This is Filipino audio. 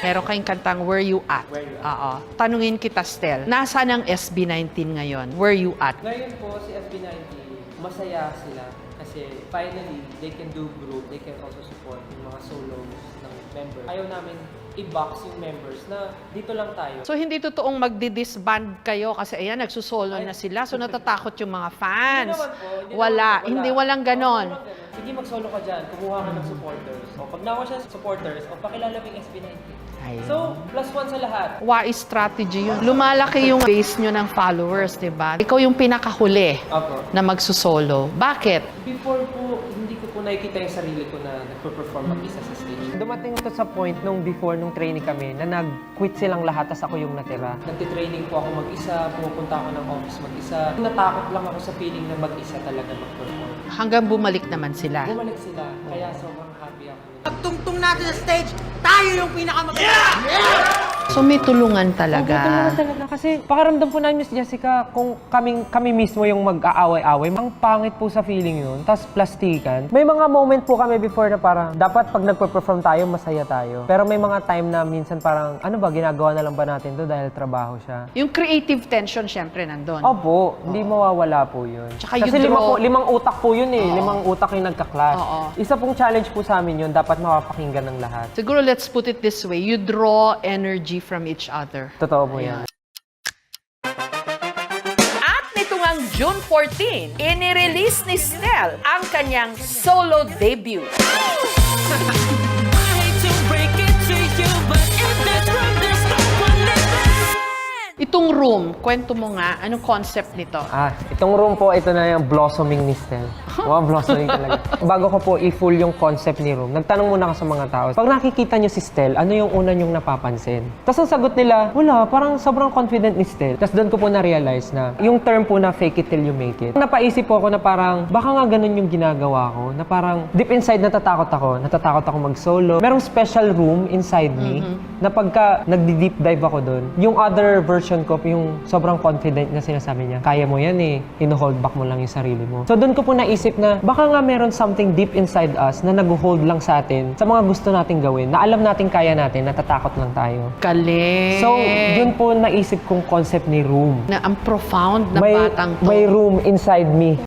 Meron kayong kantang Where You At. Where You Oo. Tanungin kita, Stel. Nasaan ang SB19 ngayon? Where You At? Ngayon po, si SB19, masaya sila kasi finally, they can do group, they can also support yung mga solos ng members. Ayaw namin i-box yung members na dito lang tayo. So, hindi totoong magdi-disband kayo kasi ayan, nagsusolo na sila. So, natatakot yung mga fans. Hindi naman po, Walang ganon. Sige, mag-solo ka dyan, kumuha ka ng supporters. O pag nawa siya sa supporters, o pakilala mo yung SB19. Ayun. So, +1 sa lahat. Wise strategy yun. Lumalaki yung base nyo ng followers, di ba? Ikaw yung pinakahuli Opo. na magsusolo. Bakit? Before po, hindi ko po nakikita yung sarili ko na nagpo-perform mag-isa sa stage. Dumating to sa point nung before, nung training kami, na nag-quit silang lahat, tas ako yung natira. Nagtitraining po ako mag-isa, pumupunta ako ng office mag-isa. Natakot lang ako sa feeling na mag-isa talaga mag-perform. Hanggang bumalik naman sila. Bumalik sila, kaya sobrang happy ako. Pagtungtong natin sa stage, tayo yung pinakamaganda! So, may tulungan talaga. Tulungan talaga kasi pakaramdam po namin, Miss Jessica, kung kami mismo yung mag-aaway-away, ang pangit po sa feeling yun, tas plastikan. May mga moment po kami before na parang, dapat pag nagpe-perform tayo, masaya tayo. Pero may mga time na minsan parang, ano ba, ginagawa na lang ba natin to dahil trabaho siya? Yung creative tension, syempre, nandun. Opo, hindi mawawala po yun. Tsaka Kasi you draw- limang utak po yun eh. Limang utak yung nagka-clash. Oo. Isa pong challenge po sa amin yun, dapat mapapakinggan ng lahat. Siguro, let's put it this way. You draw energy from each other. Totoo po yan. At nito ngang June 14, inirelease ni Stel ang kanyang solo debut. Itong room, kwento mo nga, anong concept nito? Itong room po, ito na yung blossoming ni Stel. Wow, blossoming talaga. Bago ko po i-full yung concept ni room, nagtanong muna ako sa mga tao. Pag nakikita nyo si Stel, ano yung una nyong napapansin? Tapos ang sagot nila, wala, parang sobrang confident ni Stel. Tapos doon ko po na-realize na yung term po na fake it till you make it. Napaisip po ako na parang, baka nga ganun yung ginagawa ko, na parang deep inside natatakot ako mag-solo. Merong special room inside me, na pagka nagdi-deep dive ako doon, yung other version ko, yung sobrang confident na sinasabi niya, kaya mo yan eh, ino-hold back mo lang yung sarili mo. So doon ko po naisip na baka nga meron something deep inside us na nag-hold lang sa atin sa mga gusto nating gawin, na alam natin kaya natin, natatakot lang tayo. Galing! So, yun po naisip kong concept ni room. Na ang profound na batang to. May room inside me